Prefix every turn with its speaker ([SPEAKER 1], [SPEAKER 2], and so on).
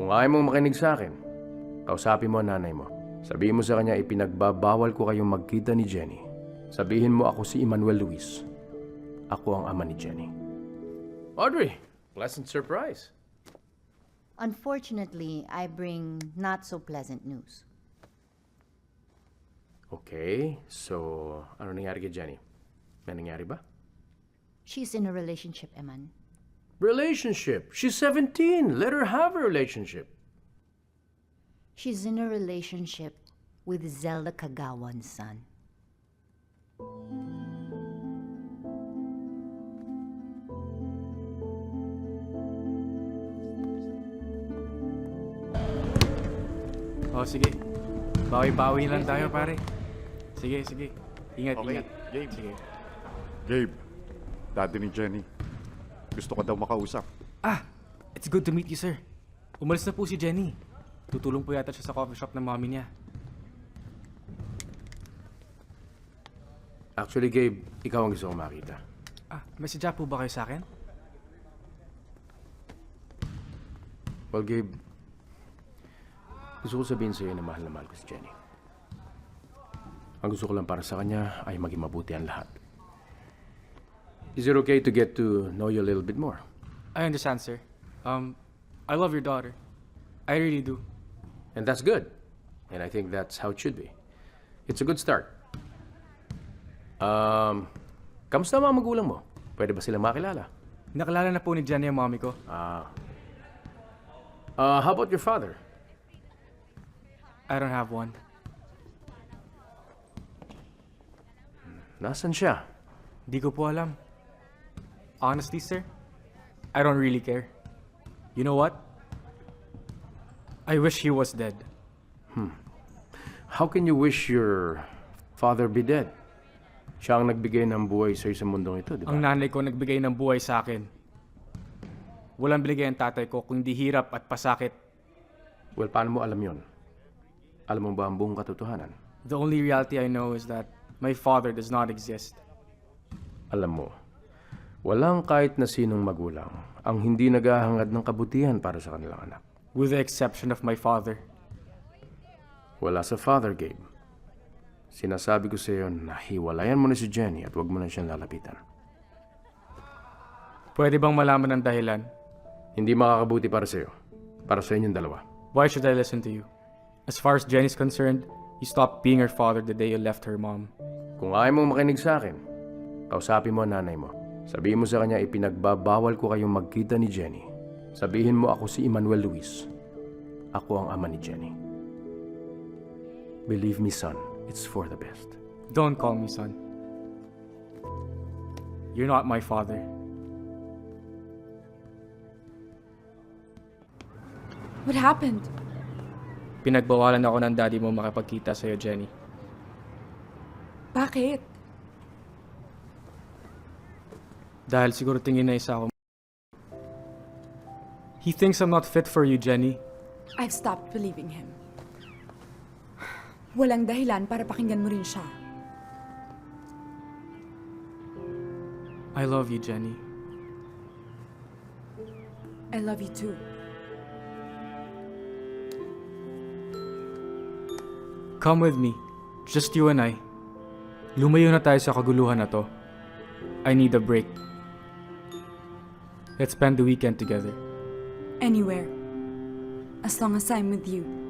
[SPEAKER 1] Kung ayaw mong makinig sa akin, kausapin mo ang nanay mo. Sabihin mo sa kanya ipinagbabawal ko kayong magkita ni Jenny. Sabihin mo ako si Emmanuel Luis. Ako ang ama ni Jenny. Audrey, pleasant surprise.
[SPEAKER 2] Unfortunately, I bring not so pleasant news.
[SPEAKER 1] Okay, so ano nangyari kay Jenny? May nangyari ba?
[SPEAKER 2] She's in a relationship, Eman.
[SPEAKER 1] Relationship. She's 17. Let her have a relationship.
[SPEAKER 2] She's in a relationship with Zelda Kagawan's son.
[SPEAKER 3] Oh, sige. Bawi-bawi lang tayo, pare. Sige, sige. Ingat,
[SPEAKER 4] Okay,
[SPEAKER 3] ingat.
[SPEAKER 4] Gabe.
[SPEAKER 3] Sige.
[SPEAKER 4] Gabe, daddy ni Jenny. Gusto ka daw makausap.
[SPEAKER 3] Ah, it's good to meet you, sir. Umalis na po si Jenny. Tutulong po yata siya sa coffee shop ng mommy niya.
[SPEAKER 1] Actually, Gabe, ikaw ang gusto kong makita.
[SPEAKER 3] Ah, may sadya po ba kayo sa akin?
[SPEAKER 1] Well, Gabe, gusto ko sabihin sa'yo na mahal ko si Jenny. Ang gusto ko lang para sa kanya ay maging mabuti ang lahat. Is it okay to get to know you a little bit more?
[SPEAKER 3] I understand, sir. I love your daughter. I really do.
[SPEAKER 1] And that's good. And I think that's how it should be. It's a good start. Kamusta ang mga magulang mo? Pwede ba silang makilala?
[SPEAKER 3] Nakilala na po ni Jenny ang mommy ko.
[SPEAKER 1] How about your father?
[SPEAKER 3] I don't have one.
[SPEAKER 1] Nasaan siya?
[SPEAKER 3] Di ko po alam. Honestly, sir, I don't really care. You know what? I wish he was dead.
[SPEAKER 1] How can you wish your father be dead? Siya ang nagbigay ng buhay sa'yo sa mundong ito, di ba?
[SPEAKER 3] Ang nanay ko nagbigay ng buhay sa akin. Walang binigay ang tatay ko kung di hirap at pasakit.
[SPEAKER 1] Well, paano mo alam yon? Alam mo ba ang buong katotohanan?
[SPEAKER 3] The only reality I know is that my father does not exist.
[SPEAKER 1] Alam mo, walang kahit na sinong magulang ang hindi naghahangad ng kabutihan para sa kanilang anak.
[SPEAKER 3] With the exception of my father.
[SPEAKER 1] Wala sa father, Gabe. Sinasabi ko sa iyo na hiwalayan mo na si Jenny at huwag mo na siyang lalapitan.
[SPEAKER 3] Pwede bang malaman ang dahilan?
[SPEAKER 1] Hindi makakabuti para sa iyo. Para sa inyong dalawa.
[SPEAKER 3] Why should I listen to you? As far as Jenny's concerned, you stopped being her father the day you left her mom.
[SPEAKER 1] Kung ayaw mong makinig sa akin, kausapin mo ang nanay mo. Sabihin mo sa kanya ipinagbabawal ko kayong magkita ni Jenny. Sabihin mo ako si Emmanuel Luis. Ako ang ama ni Jenny. Believe me, son, it's for the best.
[SPEAKER 3] Don't call me son. You're not my father.
[SPEAKER 5] What happened?
[SPEAKER 3] Pinagbawalan ako ng daddy mo makipagkita sa'yo, Jenny.
[SPEAKER 5] Bakit?
[SPEAKER 3] Dahil siguro tingin na isa ako. He thinks I'm not fit for you, Jenny.
[SPEAKER 5] I've stopped believing him. Walang dahilan para pakinggan mo rin siya.
[SPEAKER 3] I love you, Jenny.
[SPEAKER 5] I love you too.
[SPEAKER 3] Come with me. Just you and I. Lumayo na tayo sa kaguluhan na to. I need a break. Let's spend the weekend together.
[SPEAKER 5] Anywhere. As long as I'm with you.